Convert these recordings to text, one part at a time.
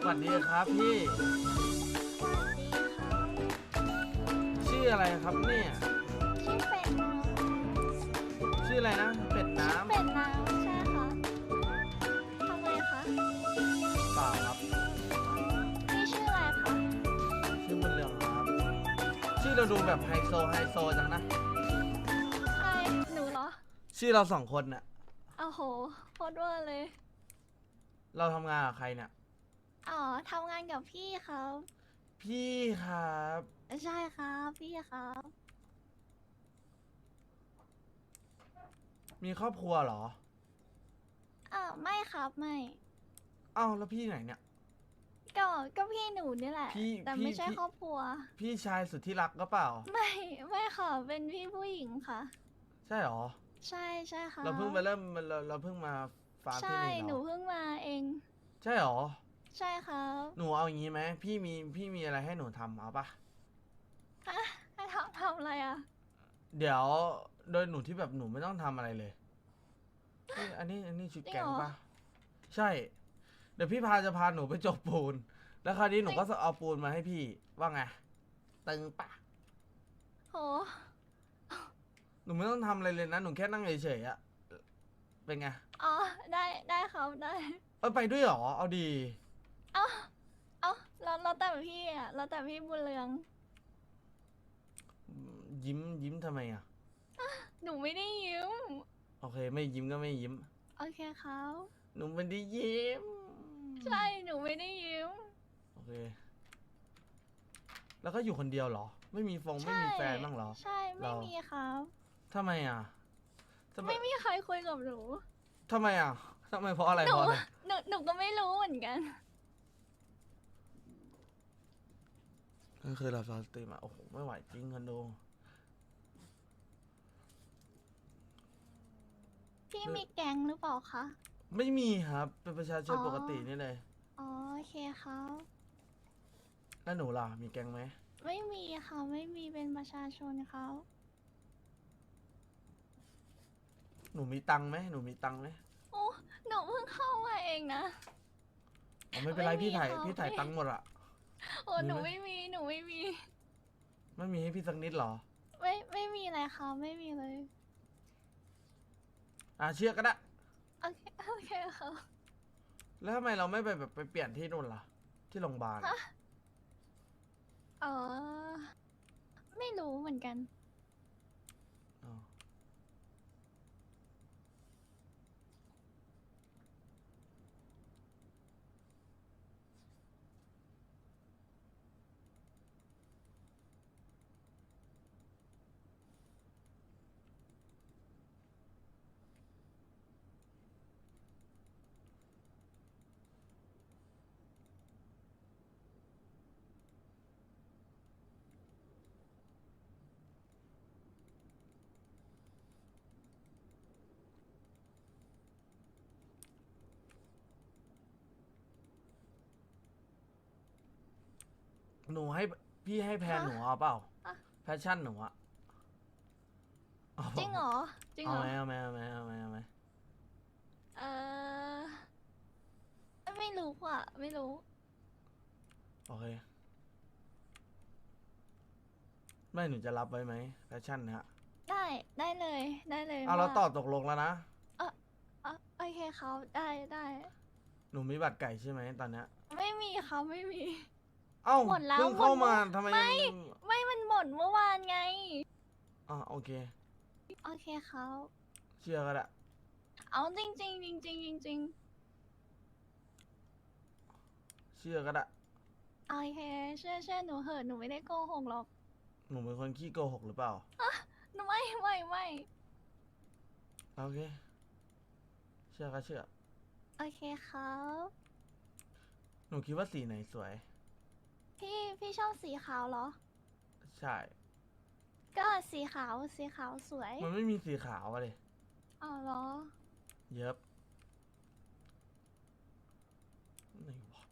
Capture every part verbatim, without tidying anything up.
วัสดีครับพี่สวัสดีค่ะชื่ออะไรครับเนี่ยชื่อเป็ดน้ชื่ออะไรนะ เป็ดน้ำเป็ดน้ำใช่ค่ะทำไมคะำเปล่าครับพี่ชื่ออะไรคะชื่อบุญเรืองครับ ชื่อเราดูแบบไฮโซไฮโซจังนะใครหนูเหรอชื่อเราสองคนน่ะโอ้โหโคตรเวอร์เลยเราทำงานกับใครเนี่ยอ๋อทำงานกับพี่ครับพี่ครับใช่ครับพี่ครับมีครอบครัวเหรออ้าวไม่ครับไม่เอ้าแล้วพี่ไหนเนี่ยก็ก็พี่หนูนี่แหละพี่แต่พี่ไม่ใช่พี่ครอบครัวพี่ชายสุดที่รักก็เปล่าไม่ไม่ค่ะ เป็นพี่ผู้หญิงค่ะใช่เหรอใช่ใช่ค่ะเราเพิ่งมาเริ่มเราเราเพิ่งมาฟาร์มที่ใช่นี่หเหรนูอเพิ่งมาเองใช่เหรอใช่ครับหนูเอาอย่างนี้ไหมพี่มีพี่มีอะไรให้หนูทำเอาปะฮะให้ทำทำอะไรอ่ะเดี๋ยวโดยหนูที่แบบหนูไม่ต้องทำอะไรเลยนี่อันนี้อันนี้ชุดแกงจริงเหรอปะใช่ เดี๋ยวพี่พาจะพาหนูไปจบปูน แล้วคราวนี้หนูก็เอาปูนมาให้พี่ว่าไงตึงปะโหหนูไม่ต้องทำอะไรเลยนะหนูแค่นั่งเฉยๆอะเป็นไงอ๋อ ได้ได้ครับได้เออไปด้วยเหรอเอาดีเอ้าเอ้าเราเราแต่พี่อ่ะเราแต่พี่บุญเรืองยิ้มยิ้มทำไมอะหนูไม่ได้ยิ้มโอเค ไม่ยิ้มก็ไม่ยิ้มโอเคครับหนูไม่ได้ยิ้มใช่ หนูไม่ได้ยิ้มโอเค แล้วก็อยู่คนเดียวเหรอ ไม่มีฟงไม่มีแฟนบ้างเหรอใช่ ไม่เรามีครับทำไมอะทำไมไม่มีใครคุยกับหนูทำไมอ่ะ ทำไมเพราะอะไรหนูเพราะอะไรหนู หนูก็ไม่รู้เหมือนกันนั่นคือเราสตรีมอ่ะ โอ้โห ไม่ไหวจริงกันดูพี่มีแก๊งหรือเปล่าคะไม่มีครับ เป็นประชาชนอ๋อปกตินี่เลยอ๋อ โอเคครับแล้วหนูล่ะ มีแกงไหมไม่มีค่ะ ไม่มีเป็นประชาชนเขาหนูมีตังค์ไหม หนูมีตังค์ไหมโอ้ หนูเพิ่งเข้ามาเองนะอ๋อไม่เป็นไรไม่มีพี่ถ่ายครับพี่ถ่ายไม่ตังค์หมดอ่ะโอ้มีไหมหนูไม่มี หนูไม่มีไม่มีให้พี่สักนิดเหรอไม่ ไม่มีอะไรค่ะ ไม่มีเลยอ่ะเชื่อก็ได้โอเค โอเคค่ะแล้วทำไมเราไม่ไปแบบไปเปลี่ยนที่นู่นล่ะ ที่โรงพยาบาลฮะ เออ ไม่รู้เหมือนกันอ๋อหนูให้พี่ให้แพนฮะหนูเอาเปล่าอะแพชชั่นหนูอะาจริงเหรอ จริงเอาเหรอไหมเอาไหมเอาไหมเอาไหมเอาไหมเออ ไม่รู้อ่ะ ไม่รู้โอเค ไม่หนูจะรับไว้ไหมแพชชั่นนะฮะได้ ได้เลย ได้เลยเอาเราว่ต่อตกลงแล้วนะเออเออโอเคเขาได้ ได้หนูมีบัตรไก่ใช่ไหมตอนเนี้ยไม่มีเขาไม่มีเอ้าหมดแล้วเพิ่งเข้าหมดมาแล้วทำไมไม่ยังไม่มันหมดเมื่อวานไงอ่าโอเคโอเคเขาเชื่อก็ได้เอาจริงจริงจริงจริงจริงจริงเชื่อก็ได้โอเคเชื่อเชื่อหนูเหอะหนูไม่ได้โกหกหรอกหนูเป็นคนขี้โกหกหรือเปล่าหนูไม่ไม่ไม่โอเค เชื่อก็เชื่อโอเคครับหนูคิดว่าสีไหนสวยพี่พี่ชอบสีขาวเหรอใช่ก็สีขาวสีขาวสวยมันไม่มีสีขาวอะเลยอ๋อเหรอเย็บไหนวะ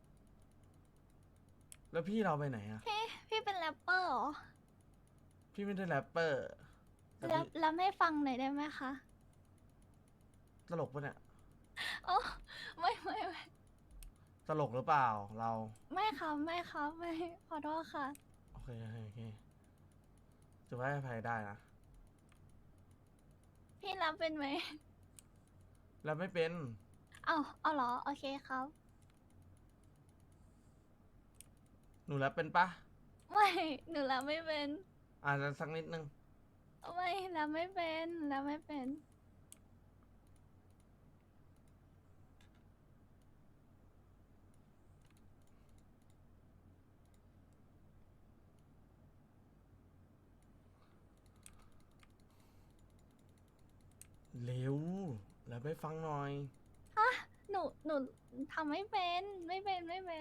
แล้วพี่เราไปไหนอะพี่พี่เป็นแรปเปอร์เหรอพี่ไม่ได้แรปเปอร์แต่แรปพี่แรปให้ฟังหน่อยได้ไหมคะตลกปะเนี่ยอ๋อไม่ไม่ไม่ตลกหรือเปล่าเราไม่ครับไม่ครับไม่ขอโทษค่ะโอเคโอเคโอเคจะให้อภัยได้นะพี่รับเป็นไหมแล้วไม่เป็นเอาเอาเหรอโอเคครับหนูแล้วเป็นปะไม่หนูรับไม่เป็นอ่านสักนิดนึงไม่รับไม่เป็นรับไม่เป็นเร็ว แล้วไปฟังหน่อยหนูหนูทำไม่เป็นไม่เป็นไม่เป็น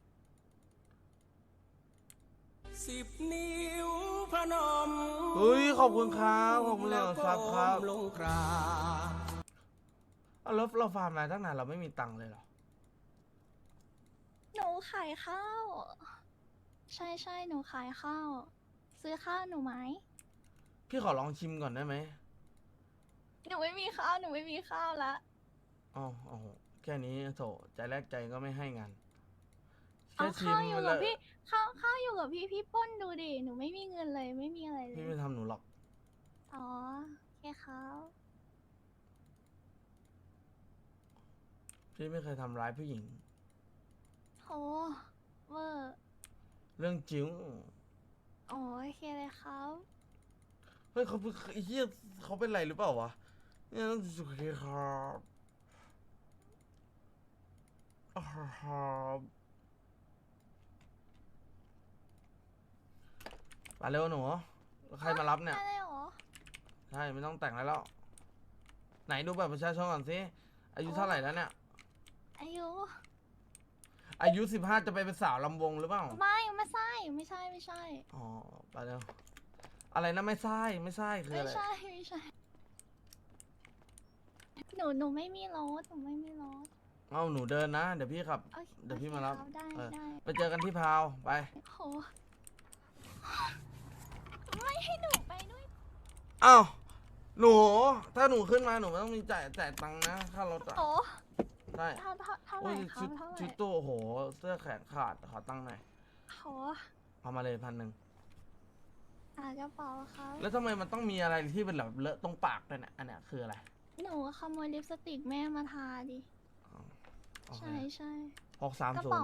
สิบนิ้วพนมเฮ้ย ขอบคุณครับขอบคุณเลยครับครับลงกราบเอาแล้วเราฟาร์มมาตั้งนานเราไม่มีตังค์เลยเหรอหนูขายข้าว ใช่ใช่หนูขายข้าว ซื้อข้าวหนูไหมพี่ขอลองชิมก่อนได้ไหมหนูไม่มีข้าวหนูไม่มีข้าวละอ๋ออ๋อแค่นี้โถใจแรกใจก็ไม่ให้งานเอาแค่ชิมข้าวอยู่แล้กับวพี่ข้าวข้าวอยู่กับพี่พี่ปล้นดูดิหนูไม่มีเงินเลยไม่มีอะไรเลพี่ยไม่ทำหนูหรอกอ๋อแค่ข้าวพี่ไม่เคยทำร้ายผู้หญิงโหเวอร์เรื่องจริงอ๋อโอเคเลยครับเฮ้ยเขาเพิ่งไอ้เฮียเขาเป็นไรหรือเปล่าวะเนี่ยโอเคครับอ่าครับมาเร็วหนูใครมารับเนี่ยได้เลยเหรอใช่ไม่ต้องแต่งแล้ว ไหนดูบัตรประชาชนก่อนสิอายุเท่าไหร่แล้วเนี่ยอายุอายุสิบห้าจะไปเป็นสาวลำวงหรือเปล่าไม่ไม่ใช่ไม่ใช่ไม่ใช่อ๋อไปเร็วอะไรนะไม่ใช่ไม่ใช่คือไม่อะไรใช่ไม่ใช่ หนูหนูไม่มีรถหนูไม่มีรถเอาหนูเดินนะ เดี๋ยวพี่ขับโอเคเดี๋ยวพี่โอคมารับคได้เออได้ไปเจอกันที่พาวไปโหไม่ให้หนูไปด้วยอ้าวหนู ถ้าหนูขึ้นมาหนูไม่ต้องมีจ่ายจ่ายตังค์นะค่ารถอ่ะโอ้ใช่เท่าเท่าเท่าไหโอ้ร่ยครัชุบดเท่าไหร่ชุดตู้โอ้โห เสื้อแขนขาดขอตังค์หน่อยโหเอามาเลยพันหนึ่งอ่ากระเป๋าครับแล้วทำไมมันต้องมีอะไรที่เป็นแบบเลอะตรงปากด้วยเนี่ยอันเนี้ยคืออะไรหนูขโมยลิปสติกแม่มาทาดิอ๋อโอเคใช่ใช่หกสามกระศูนเป๋าย์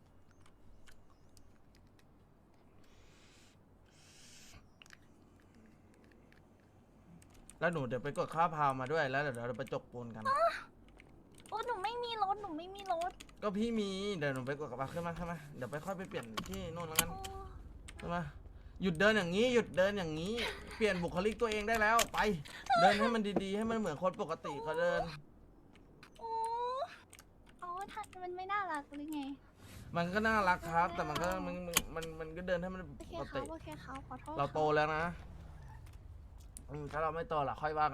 แล้วหนูเดี๋ยวไปกดค่าพาวมาด้วยแล้วเดี๋ยวเราไปจกปูนกันโอ้หนูไม่มีรถหนูไม่มีรถก็พี่มีเดี๋ยวหนูไปกดกับมาขึ้นมาขึ้นมาเดี๋ยวไปค่อยไปเปลี่ยนที่นู่นแล้วกันโอ้ขึ้นมาหยุดเดินอย่างนี้หยุดเดินอย่างนี้ เปลี่ยนบุคลิกตัวเองได้แล้วไป เดินให้มันดีๆ ให้มันเหมือนคนปกติเขาเดินโอ้อ๋อถ้ามันไม่น่ารักหรือไงมันก็น่ารักครับ แต่มันก็มันมันมันมันก็เดินให้มันโอเคปกครัติบโอเคครับขอโทษเราโตครับแล้วนะอืมถ้าเราไม่โตล่ะค่อยว่ากัน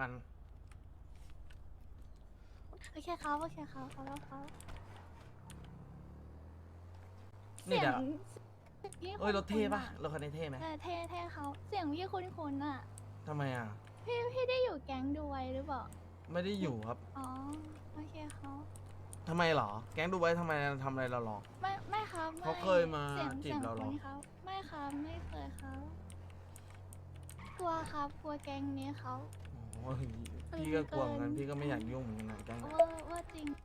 โอเคครับโอเคครับขอโทษครับนี่เดี๋ยวเสียงพี่เอ้ยรถเท่ปะคุ้นๆอรถคันนี้เท่ไหมเออเท่เท่เขาเสียงพี่คุ้นๆอ่ะทำไมอ่ะพี่พี่ได้อยู่แก๊งดูไว้หรือเปล่าไม่ได้อยู่ครับอ๋อโอเคครับทำไมหรอ แก๊งดูไว้ทำไมทำอะไรเราหรอไม่ไม่ครับไม่เขาเคยมาสีงจีบเราเหรอสียงคุ้นครับไม่ครับไม่เคยครับกลัวครับกลัวแก๊งนี้เขาโอ้ยพี่ก็กลัวเหมือนกันพี่ก็ไม่อยากยุ่งเหมือนกันนะแก๊งว่าว่าจริง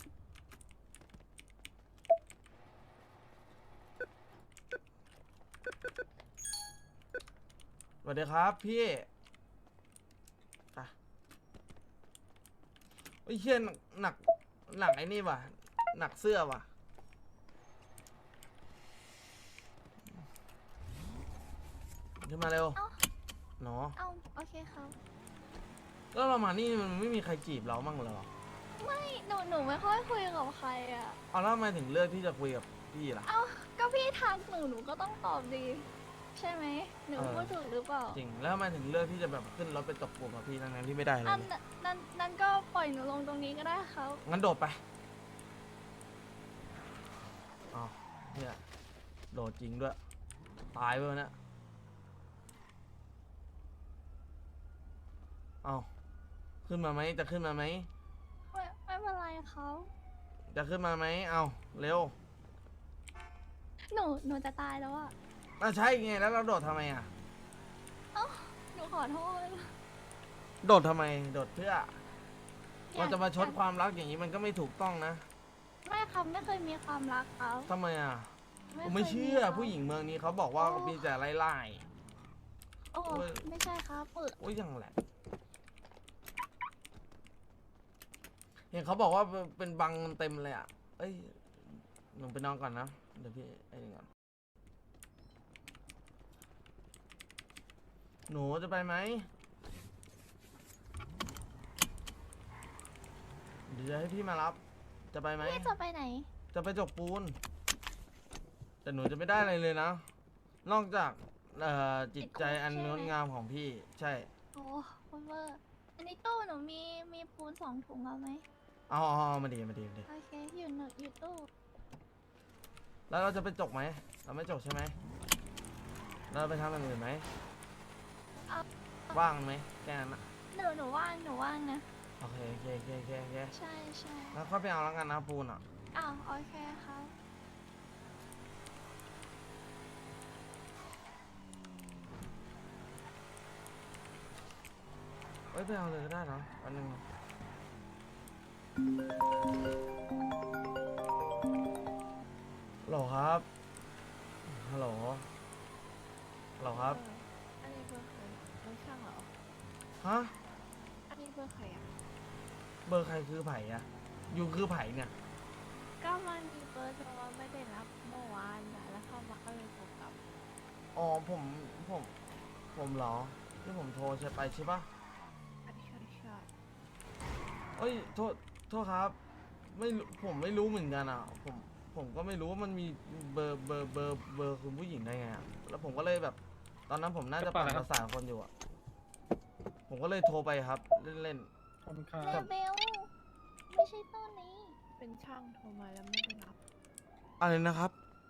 สวัสดีครับพี่ไปไอ้ยเชี่ยหนักหนักหนักไอ้นี่ว่ะ หนักเสื้อว่ะ ขึ้นมาเร็วเอ้าเนาะเอ้าโอเคครับแล้วเรามานี่มันไม่มีใครจีบเรามั่งเหรอไม่หนูหนูไม่ค่อยคุยกับใครอ่ะเอาแล้วทำไมถึงเลือกที่จะคุยกับพี่ล่ะเอ้าก็พี่ทักหนูหนูก็ต้องตอบดี ใช่ไหมหนูเออพูดถูกหรือเปล่าจริง แล้วทำไมถึงเลือกที่จะแบบขึ้นรถไปตกปูกับพี่ทั้งนั้นที่ไม่ได้เลยอันนั้นนั้นก็ปล่อยหนูลงตรงนี้ก็ได้ครับงั้นโดดไปอ๋อเนี่ยโดดจริงด้วย ตายไปวะเนี่ยเอาขึ้นมาไหมจะขึ้นมาไหมไม่ไม่เป็นไรเขาจะขึ้นมาไหมเอาเร็วหนูหนูจะตายแล้วอ่ะอ่ะใช่ไงแล้วเราโดดทำไมอ่ะเอ้าหนูขอโทษโดดทำไมโดดเพื่อเราจะมาชดความรักอย่างนี้มันก็ไม่ถูกต้องนะไม่ครับไม่เคยมีความรักครับทำไมอ่ะผมคไม่ยเชื่อครับผู้หญิงเมืองนี้เขาบอกว่าโอ้มีแต่ไล่ไล่โอ้โอ้ยไม่ใช่ครับเออโอ้ยยังแหละเห็นเขาบอกว่าเป็นบังเต็มเลยอ่ะเอ้ยหนูไปนอนก่อนนะเดี๋ยวพี่ไอ้นี่ก่อนหนูจะไปไหมเดี๋ยวจะให้พี่มารับ จะไปไหมพี่จะไปไหนจะไปจกปูน แต่หนูจะไม่ได้อะไรเลยนะ นอกจากเอ่อจิตใจอันงดงามของพี่ ใช่โอ้คุณเวอร์อันนี้ตู้หนูมีมีปูนสองถุงเอาไหมเอาเอาเอามาดีมาดีมาดีโอเคอยู่หนูอยู่ตู้แล้วเราจะไปจกไหม เราไม่จกใช่ไหม เราไปทำอย่างอื่นไหมเอาว่างไหมแค่นั้นนะหนูหนูว่างหนูว่างนะโอเคโอเคโอเคโอเคโอเคใช่ใช่แล้วค่อยไปเอาแล้วกันนะปูนอ่ะอ้าวโอเคครับเอ้ยไปเอาเลยก็ได้นะอันหนึงฮัลโหลครับ ฮัลโหล ฮัลโหลครับอันนี้เบอร์ใครไม่ช่างเหรอฮะอันนี้เบอร์ใครอ่ะเบอร์ใครคือไผ่อะยูคือไผ่เนี่ยก็มันมีเบอร์โทรมาไม่ได้รับเมื่อวานนะแล้วเข้ามาก็เลยโทรกลับอ๋อผมผม ผมเหรอ ที่ผมโทรใช่ไปใช่ปะอันนี้ใช่ใช่เอ้ยโทษโทษครับ ไม่รู้ผมไม่รู้เหมือนกันอ่ะ ผมผมก็ไม่รู้ว่ามันมีเบอร์เบอร์เบอร์เบอร์คุณผู้หญิงได้ไงอะแล้วผมก็เลยแบบ ตอนนั้นผมน่าจะปั่นประสาทคนอยู่อ่ะ ผมก็เลยโทรไปครับ เล่นขอบคุณครัเลบเบลไม่ใช่ตู้นี้เป็นช่างโทรมาแล้วไม่ได้รับๆอะไรนะครับ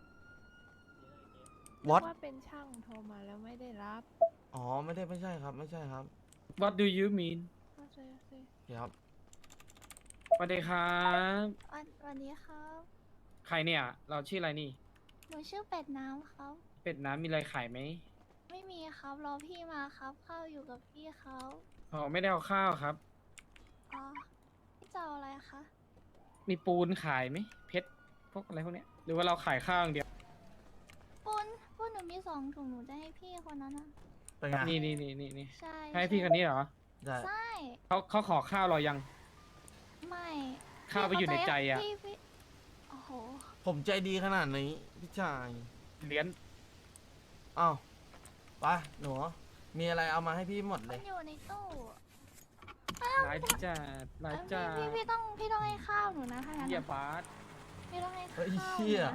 What ว่าเป็นช่างโทรมาแล้วไม่ได้รับอ๋อไม่ได้ไม่ใช่ครับ ไม่ใช่ครับ What do you mean เข้าใจสิโอเคครับสวัสดีครับวันวันนี้ครับใครเนี่ย เราชื่ออะไรนี่หนูชื่อเป็ดน้ำครับเป็ดน้ำมีอะไรขายไหมไม่มีครับรอพี่มาครับข้าวอยู่กับพี่เขาอ๋อไม่ได้เอาข้าวครับอ๋อพี่จะเอาอะไรคะมีปูนขายไหมเพชรพวกอะไรพวกเนี้ยหรือว่าเราขายข้าวอย่างเดียวปุนปุนหนูมีสองถุงหนูจะให้พี่คนนั้นนะเป็นไงนี่นี่นี่นี่นี่ใช่ให้พี่คนนี้เหรอได้ใช่เขาเขาขอข้าวเรายังไม่ข้าวไปอยู่ในใจอะพี่พี่โอ้โหผมใจดีขนาดนี้พี่ชายเหรียญอ้าวไปหนู มีอะไรเอามาให้พี่หมดเลมันยอยู่ในตู้หลายจัดหลายเอ้ยจัพี่ดพี่พี่ต้องพี่ต้องให้ข้าวหนูนะถ้างั้นเหี้ยนะบาสพี่ต้องให้ข้าเฮ้วย หนูเชี่ยนะ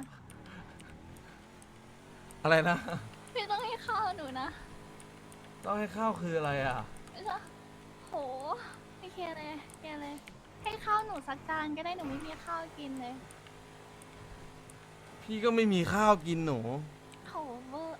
อะไรนะพี่ต้องให้ข้าวหนูนะต้องให้ข้าวคืออะไรอ่ะไม่ใช่โหไม่เคเลยเคเลย ให้ข้าวหนูสักจานก็ได้หนูไม่มีข้าวกินเลยพี่ก็ไม่มีข้าวกินหนูโหเวอร์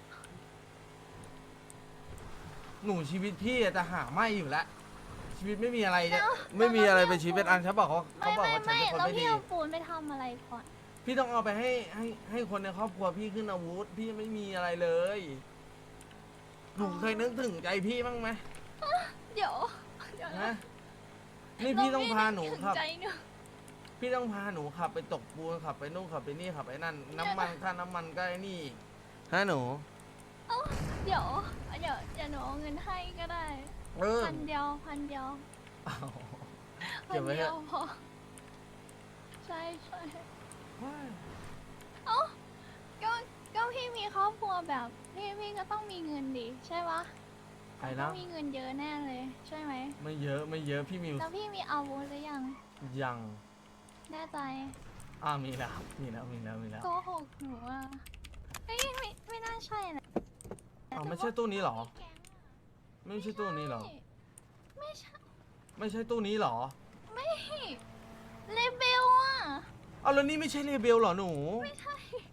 หนูชีวิตพี่อะจะหาไม่อยู่แล้ว ชีวิตไม่มีอะไรจะไม่มีอะไรเป็นชีวิตเป็นอันฉันบอกเขาเขาไม่บอกไม่ว่าฉันไม่เป็นคนแล้วไม่พี่ดีเอาปูนไปทำอะไรก่อนพี่ต้องเอาไปให้ให้ให้คนในครอบครัวพี่ขึ้นอาวุธ พี่ไม่มีอะไรเลย หนูเคยนึกถึงใจพี่บ้างไหมเดี๋ยวเดี๋ยวฮะนะนี่พี่ต้องพาหนูเรไม่ได้ขับถึงใจหนูพี่ต้องพาหนูขับไปตกปูนขับไปนู่นขับไปนี่ขับไปนั่น น้ำมันค่าน้ำมันก็ไอ้นี่อีกฮะหนูเดี๋ยวเดี๋ยวเดี๋ยวหนูเอาเงินให้ก็ได้เออพันเดียวพันเดียวอ้าวพัเก็บไว้เดีเถยวอะพอใช่ใช่ว้ายเอ้าก็ก็พี่มีครอบครัวแบบพี่พี่ก็ต้องมีเงินดิใช่ปะไอ้ต้นะองมีเงินเยอะแน่เลย ใช่ไหมไม่เยอะไม่เยอะพี่มิวแล้วพี่มีอาวุธหรือยังยังแน่ใจอ่ามีแล้วมีแล้วมีแล้วมีแล้วโกหกหนูอ่ะไม่ไม่ไม่น่าใช่นะอ้าวไม่ใช่ตู้นี้เหรอแก๊งอะไม่ใช่ตู้นี้เหรอไม่ใช่ไม่ใช่ตู้นี้เหรอไม่เลเบลอ่ะเอาแล้วนี่ไม่ใช่เลเบลเหรอหนูไม่ใช่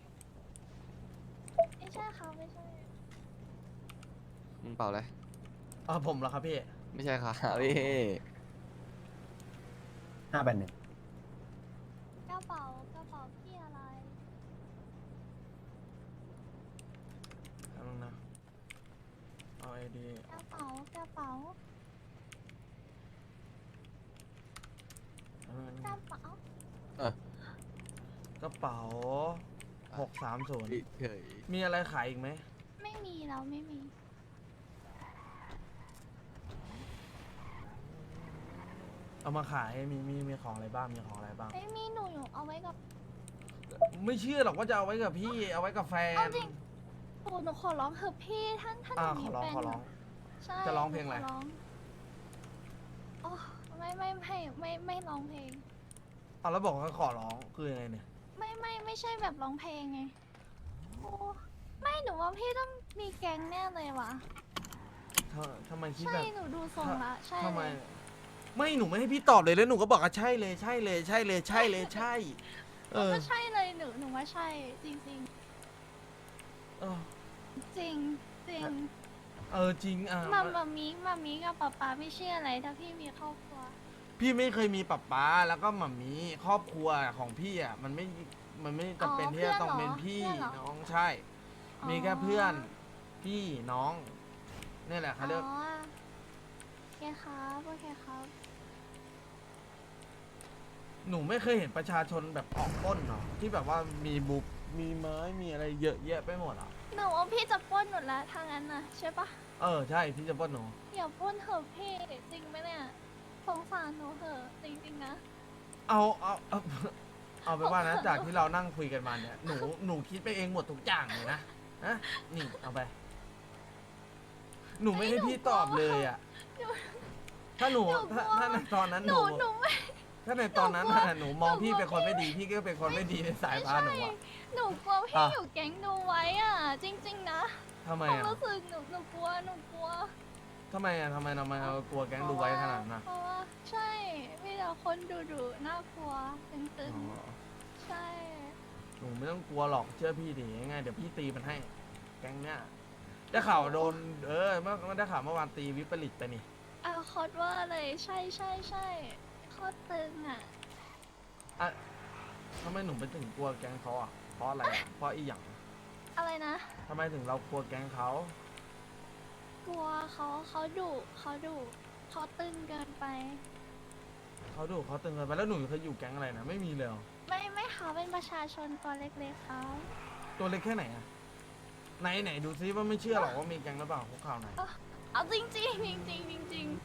ไม่ใช่เขาไม่ใช่มึงเปล่าเลยอ่าผมเหรอครับพี่ไม่ใช่ครับพี่ห้าแปดหนึ่งกระเป๋ากระเป๋าพี่อะไรไอดีกระเป๋ากระเป๋าเออกระเป๋ากระเป๋าหกสามศูนย์เฉยมีอะไรขายอีกไหมไม่มีแล้วไม่มีเอามาขายมีมีมีของอะไรบ้างมีของอะไรบ้างไม่มีหนูอยู่เอาไว้กับไม่เชื่อหรอกว่าจะเอาไว้กับพี่เอาไว้กับแฟนเอาจริง โอ้หนูขอร้องเถอะพี่ท่านท่านหอ่านูขมีอร้องแฟนขอร้องใช่จะร้องเพลงอะไรขโอ้ไม่ไม่ไม่ไม่ไม่ร้องเพลงเอาแล้วบอกว่าขอร้องคือยังไงเนี่ยไม่ไม่ไม่ใช่แบบร้องเพลงไงโอ้ไม่หนูว่าพี่ต้องมีแก๊งแน่เลยวะทำทำไมคิดใช่แบบหนูดูทรงละใช่ทำไมเลยไม่หนูไม่ให้พี่ตอบเลยแล้วหนูก็บอกว่าใช่เลยใช่เลยใช่เลยใช่เลยใช่ เออก็ใช่เลยหนูหนูว่าใช่จริงจริงเออๆจริงจริงเออจริงอ่ะมามามีมามีกับป๊าป๊าไม่เชื่ออะไรถ้าพี่มีครอบครัวพี่ไม่เคยมีป๊าป๊าแล้วก็หม่ามีครอบครัวของพี่อ่ะมันไม่มันไม่จำเป็นที่จะต้องเป็นพี่น้องใช่ มีแค่เพื่อนพี่น้องนี่แหละเขาเรียกอ๋อโอเคครับโอเคครับหนูไม่เคยเห็นประชาชนแบบออกปล้นเนาะที่แบบว่ามีบุบมีไม้มีอะไรเยอะแยะไปหมดอ่ะหนูว่าพี่จะปล้นหนูแล้วทางนั้นนะใช่ปะเออใช่พี่จะปล้นหนูอย่าปล้นเถอะพี่จริงไหมเนี่ยสงสารหนูเถอะจริงๆนะเอาเอาเอาเอาไปนว่านะจากที่เรานั่งคุยกันมาเนี่ยหนูหนูคิดไปเองหมดทุกอย่างเลยนะฮะนี่เอาไป หนูไม่ให้พี่ตอบเลยอ่ะ ถ้าหนูถ้าถ้าในตอนนั้นหหนูนูหนูไม่ถ้าในตอนนั้นน่ะหนูมองพี่เป็นคนไม่ดีพี่ก็เป็นคนไม่ดีในสายไม่พานหนูใช่อ่ะหนูกลัวพี่อ่ะอยู่แก๊งดูไว้อ่ะ จริง ๆ นะทำไมความอ่ะรู้สึกหนูหนูกลัวหนูกลัวทำไมอ่ะทำไมทำไมเรากลัวแก๊งดูไว้ขนาดนั้นอ่ะเพราะว่าใช่มีแต่คนดุดุๆน่ากลัวตึงอ๋อๆใช่หนูไม่ต้องกลัวหรอกเชื่อพี่ดิยังไงเดี๋ยวพี่ตีมันให้ แก๊งเนี้ยได้ข่าวโดนเออเมื่อเมื่อได้ข่าวเมื่อวานตีวิปริตไปนี่อ่ะคอดว่าเลยใช่ใช่ใช่โคตรตึงอ่ะอ่ะทำไมหนูไปถึงกลัวแก๊งเขาอ่ะเพราะอะไรอ่ะเพราะอีหยังอะไรนะทำไมถึงเรากลัวแก๊งเขากลัวเขาเขาดุเขาดุเขาตึงเกินไปเขาดูเขาตึงเกินไปแล้วหนูเคยอยู่แก๊งอะไรนะไม่มีเลยเหรอไม่ไม่เขาเป็นประชาชนตัวเล็กๆเขาตัวเล็กแค่ไหนอ่ะไหนไหนดูซิว่าไม่เชื่อหรอกว่ามีแก๊งหรือเปล่าคุกข่าวไหนเอาจริงจริงจริงจริงจริงจริง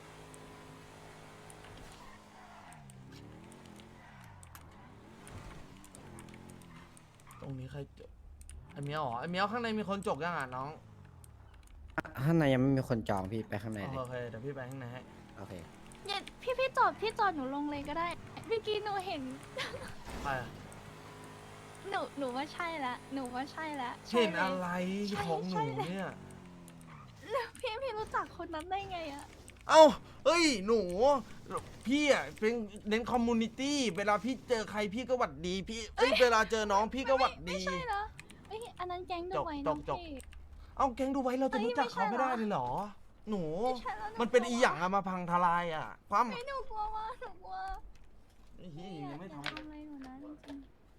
ตรงนี้ใครจกไอเมียวเหรอไอเมียวข้างในมีคนจกยังอ่ะน้องข้างในยังไม่มีคนจองพี่ไปข้างในเลยโอเคเดี๋ยวพี่ไปข้างในให้โอเคเนี่ยพี่พี่จอดพี่จอดหนูลงเลยก็ได้เมื่อกี้หนูเห็นไปอ่ะหนูหนูว่าใช่ละหนูว่าใช่ละใช่เห็นลยอะไรใช่ของหนูใช่เลยเนี่ยแล้วพี่พี่รู้จักคนนั้นได้ไงอะเอ้าเอ้ยหนูพี่อ่ะเป็นเน้นคอมมูนิตี้เวลาพี่เจอใครพี่ก็หวัดดีพี่เอ้ยเวลาเจอน้องพี่ก็หวัดไม่ดีใช่เหรอเอ้ยอันนั้นแก๊งดูจกไว้จน้อก งจกพี่เอาแก๊งดูไว้เราจะเอ้ยรู้จักเขาไม่ไม่ใช่ได้เหรอเลยเหรอ หนูไม่ใช่แล้วหนูมันเป็นกลัวอีหยังอะมาพังทลายอะความไม่หนูกลัวว่าหนูกลัวไอ้เหี้ยไม่อยัยาง กไม่จะทำทำอะไรหนูนะจริง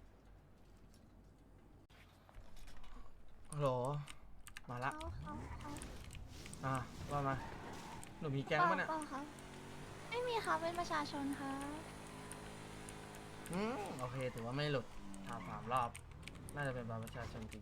ฮัลโหลมาๆละเขาเขาเขาอ่ะว่ามาหนูมีแก๊งปะเนี่ยปล่าครับไม่มีค่ะเป็นประชาชนค่ะอืมโอเคถือว่าไม่หลุดถามสามรอบ น่าจะเป็นบัตรประชาชนจริง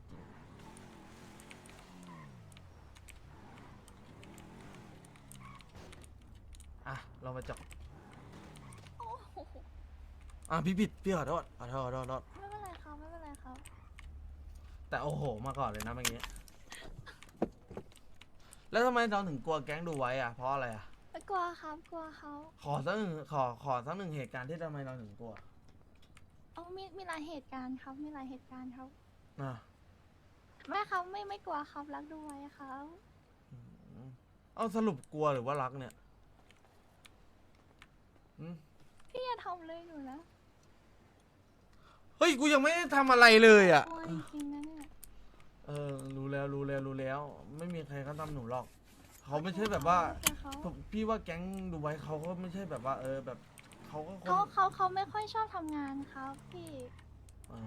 ๆอ่ะเรามาจับโอ้โหอ่ะพี่ผิดพี่ขอโทษขอโทษขอโทษขอโทษไม่เป็นไรครับไม่เป็นไรครับแต่โอ้โหมาก่อนเลยนะเมื่อกี้ แล้วทำไมเราถึงกลัวแก๊งดูไว้อะเพราะอะไรอะไม่กลัวครับกลัวเขาขอสักหนึ่งขอขอสักหนึ่งเหตุการณ์ที่ทำไมเราถึงกลัวเอามีมีหลายเหตุการณ์ครับมีหลายเหตุการณ์ครับนะไม่ครับไม่ไม่กลัวครับรักดูไว้ครับอืมเอาสรุปกลัวหรือว่ารักเนี่ยอืมพี่อย่าทำเลยหนูนะเฮ้ยกูยังไม่ได้ทำอะไรเลยอ่ะกลัวจริงๆนะเนี่ยเออรู้แล้วรู้แล้วรู้แล้ว ไม่มีใครเขาทำหนูหรอกเขาไม่ใช่แบบว่าแต่เขาผมพี่ว่าแก๊งดูไว้เขาก็ไม่ใช่แบบว่า เออแบบเขาก็คนเขาเขาเขาไม่ค่อยชอบทำงานครับพี่เออ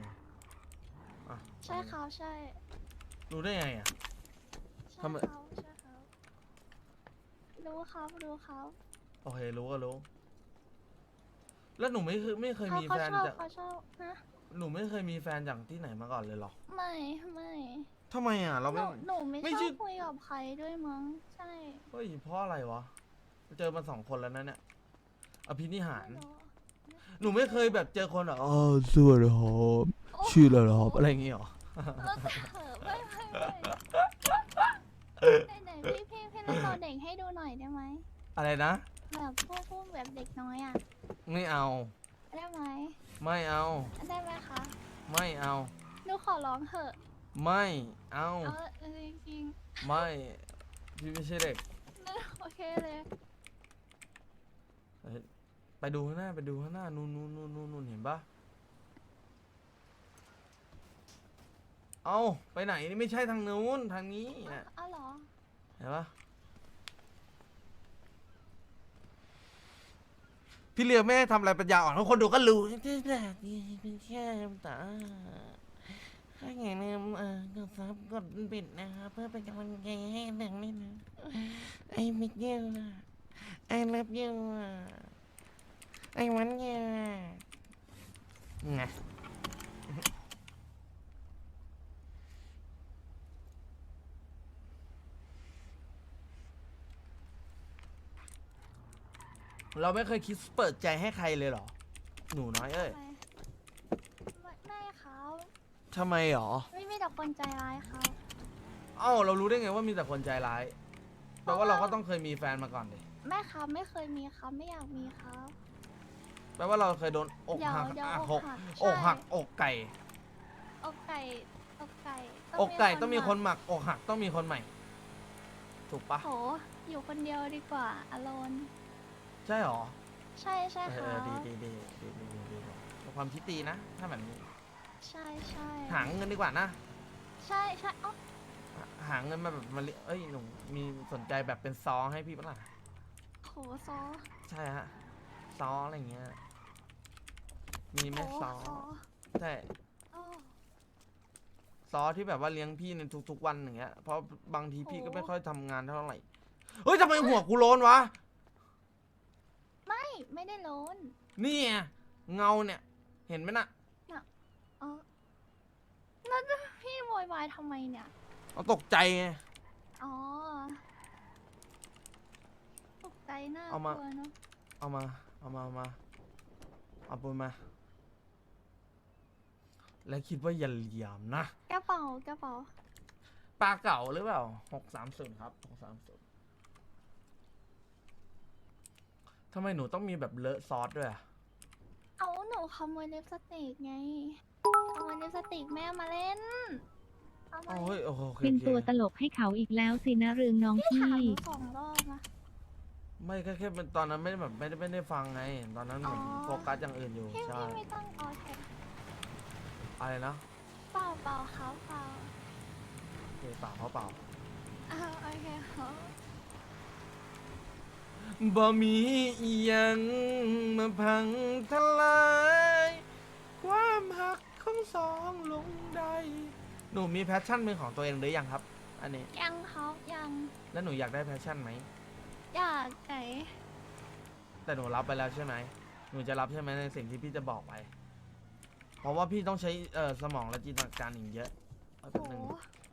อ่ะใช่ครับใช่รู้ได้ไงอ่ะใช่ทำไมเขาใช่เขารู้ครับรู้ครับโอเครู้ก็รู้ แล้วหนูไม่เคยไม่เคยเขามีเขาแฟนชอบจากเขาชอบนะหนูไม่เคยมีแฟนจากที่ไหนมาก่อนเลยเหรอไม่ไม่ทำไมอ่ะ เราหไม่นูหนูไม่ไม่ชใช่อบคุยกับใครด้วยมั้งใช่เฮ้ยเพราะอะไรวะ เจอมาสองคนแล้วนะเนี่ยอภินิหารไม่รู้หนูไม่เคยแบบเจอคนแบบอ๋อสวัสดีครับชื่ออะไรครับอะไรอย่างงี้หรอเออแต่ไม่ไม่ไม่ไหนไหนพี่พี่พี่เล่นตอนเด็กให้ดูหน่อยได้ไหมอะไรนะแบบพูดพูดแบบเด็กน้อยอ่ะไม่เอาได้ไหมไม่เอาได้ไหมคะไม่เอาหนูขอร้องเถอะไม่เอาเอาเออจริงไม่พี่ไม่ใช่เด็กๆโอเคเลยเฮ้ยไปดูข้างหน้าไปดูข้างหน้านู่นนู่นนู่นนู่นนู่นเห็นปะเอาไปไหนนี่ไม่ใช่ทางนู้นทางนี้อ่ะอ้าวเหรอเห็นปะพี่เลียแม่ทำอะไรปัญญาอ่อนทุกคนดูก็รู้ที่แบบนี้เป็นแค่ตาถ้าอย่างนี้เออกดซับกดปิดนะครับเพื่อเป็นกำลังใจให้หนังนี่นะไอ้มิกเยลนะไอ้เลิฟเยลอะไอ้วันเยลไงเราไม่เคยคิดเปิดใจให้ใครเลยเหรอ หนูน้อยเอ้ยไม่ไม่ครับทำไมหรอไม่มีแต่คนใจร้ายครับเอ้าเรารู้ได้ไงว่ามีแต่คนใจร้ายแปลว่าเราก็ต้องเคยมีแฟนมาก่อนดิแม่ครับไม่เคยมีครับไม่อยากมีครับแปลว่าเราเคยโดนอกเดี๋ยวหักเดี๋ยวอ่ะอกหกหักอกใช่หักอกไก่อกไก่อกไก่อกไก่ต้องมีคนหหมักอกหักต้องมีคนใหม่ ถูกปะโหอยู่คนเดียวดีกว่าอโลนใช่หรอใช่ใช่เอครัอบ ดีดีดีดีดีดีดีเป็นความคิดดีนะ ถ้าแบบนี้ใช่ใช่หาเงินดีกว่านะใช่ใช่อ๋อหาหาเงินมาแบบมาเลี้ยเอ้ยหนูมีสนใจแบบเป็นซอให้พี่ปะล่ะโหซอใช่ฮะซออะไรเงี้ยมีไหมโหซอซอใช่โอ้ซอที่แบบว่าเลี้ยงพี่ในทุกๆวันอย่างเงี้ย เพราะบางทีพี่ก็โอ้ไม่ค่อยทำงานเท่าไหร่ เฮ้ยทำไมหัวกูโล้นวะไม่ไม่ได้โลนนี่ไงเงาเนี่ย เห็นไหมน่ะเออแล้วพี่โวยวายทำไมเนี่ยเอาตกใจไงอ๋อตกใจน่าเอากมาลัวเนาะเอามา เอามาเอามา เอาปืนมา แล้วคิดว่าอย่าเหลี่ยมนะกระเป๋ากระเป๋าปลาเก่าหรือเปล่าหกสามศูนย์ครับหกสามศูนย์ทำไมหนูต้องมีแบบเลอะซอสด้วยอะเอาหนูขโมยลิปสติกไงขโมยลิปสติกแม่มาเล่นเอามาอ๋อเฮ้ยโอเคโอเคเป็นโอเคตัวตลกให้เขาอีกแล้วสินะเรืองน้องพี่พี่ถามหนูสองรอบนะไม่แค่แค่เป็นตอนนั้นไม่ได้แบบไม่ได้ไม่ได้ฟังไง ตอนนั้นผมอ๋อโฟกัสอย่างอื่นอยู่พี่ใช่พี่ไม่ต้องเอาแท็กอะไรนะเปล่าเปล่าเขาเปล่าโอเคเปล่าเขาเปล่าอ้าวโอเคเขาบ่มีอีหยังมาพังทลายความหักของสองลงได้หนูมีแพชชั่นเป็นของตัวเองหรือยังครับ อันนี้ยังเขายังแล้วหนูอยากได้แพชชั่นไหมอยากไก่แต่หนูรับไปแล้วใช่ไหมหนูจะรับใช่ไหมในสิ่งที่พี่จะบอกไป เพราะว่าพี่ต้องใช้เอ่อสมองและจินตนาการอีกเยอะเอาโหแป๊บนึง